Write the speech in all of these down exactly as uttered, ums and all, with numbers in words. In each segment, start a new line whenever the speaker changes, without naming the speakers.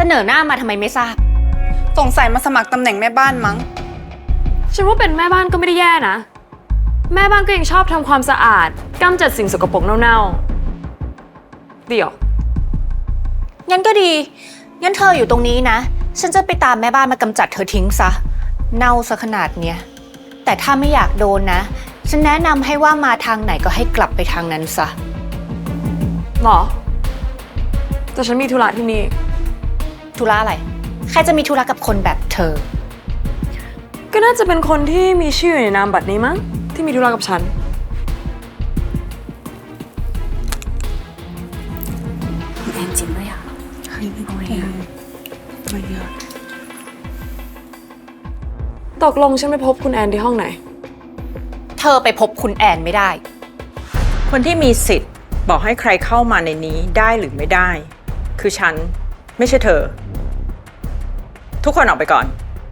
นอหน้ามาทำไมไม่ทราบ
สงสัยมาสมัครตำแหน่งแม่บ้านมั้ง
ฉันว่าเป็นแม่บ้านก็ไม่ได้แย่นะแม่บ้านก็ยังชอบทำความสะอาดกำจัดสิ่งสกปรกเน่าๆเดี๋ยว
งั้นก็ดีงั้นเธออยู่ตรงนี้นะฉันจะไปตามแม่บ้านมากำจัดเธอทิ้งซะเน่าซะขนาดเนี้ยแต่ถ้าไม่อยากโดนนะฉันแนะนำให้ว่ามาทางไหนก็ให้กลับไปทางนั้นซะ
หรอแต่ฉันมีธุระที่นี่
ธุระอะไรใครจะมีธุระกับคนแบบเธอ
ก็น่าจะเป็นคนที่มีชื่ออยู่ในนามบัตรนี้มั้งที่มีธุระกับฉัน
แอนจริงด้วยอ่ะเฮ้ยไม่ไหวอ่ะไม่เยอะ
ตกลงฉันไปพบคุณแอนที่ห้องไหน
เธอไปพบคุณแอนไม่ได้
คนที่มีสิทธิ์บอกให้ใครเข้ามาในนี้ได้หรือไม่ได้คือฉันไม่ใช่เธอทุกคนออกไปก่อน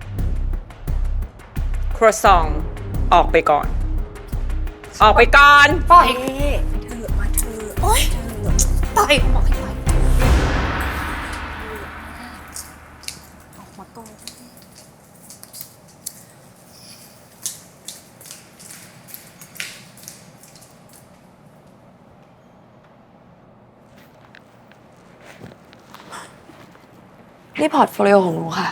ครัวซองออกไปก่อนออกไปก่อน
ปล่อย
เธอมาเธอ
โอ๊ยปล่อยบอกให้ปล่อย
ออกมาก่อน
นี่พอร์ตโฟลิโอของหนูค่ะ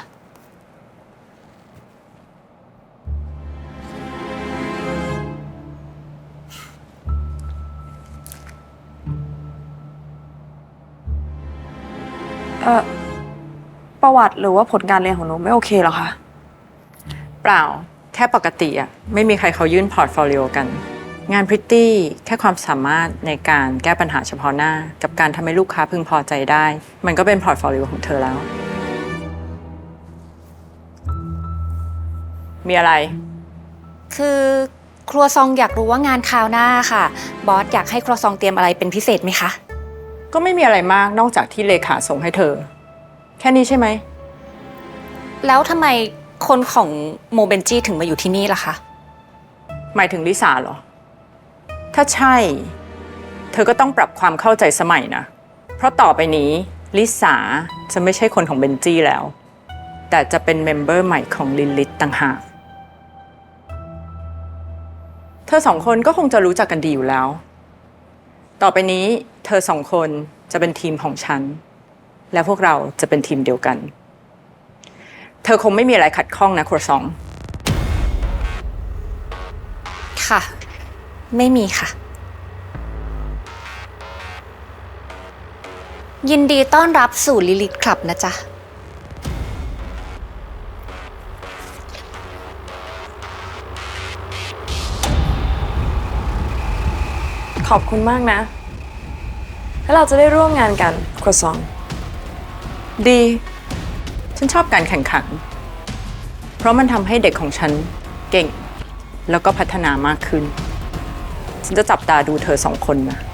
เอ่อประวัติหรือว่าผลการเรียนของหนูไม่โอเคเหรอคะ
เปล่าแค่ปกติอะไม่มีใครเขายื่นพอร์ตโฟลิโอกันงานพริตตี้แค่ความสามารถในการแก้ปัญหาเฉพาะหน้ากับการทำให้ลูกค้าพึงพอใจได้มันก็เป็นพอร์ตโฟลิโอของเธอแล้วมีอะไร
คือครัวซองอยากรู้ว่างานคราวหน้าค่ะบอสอยากให้ครัวซองเตรียมอะไรเป็นพิเศษไหมคะ
ก็ไม่มีอะไรมากนอกจากที่เลขาส่งให้เธอแค่นี้ใช่ไหม
แล้วทำไมคนของโมเบนจี้ถึงมาอยู่ที่นี่ล่ะคะ
หมายถึงลิซ่าเหรอถ้าใช่เธอก็ต้องปรับความเข้าใจสมัยนะเพราะต่อไปนี้ลิซ่าจะไม่ใช่คนของเบนจี้แล้วแต่จะเป็นเมมเบอร์ใหม่ของลินลิทต่างหากเธอสองคนก็คงจะรู้จักกันดีอยู่แล้วต่อไปนี้เธอสองคนจะเป็นทีมของฉันและพวกเราจะเป็นทีมเดียวกันเธอคงไม่มีอะไรขัดข้องนะครัวซอง
ค่ะไม่มีค่ะยินดีต้อนรับสู่ลิลิทคลับนะจ๊ะ
ขอบคุณมากนะแล้วเราจะได้ร่วมงานกันครัวซอง
ดีฉันชอบการแข่งขันเพราะมันทำให้เด็กของฉันเก่งแล้วก็พัฒนามากขึ้นฉันจะจับตาดูเธอสองคนนะ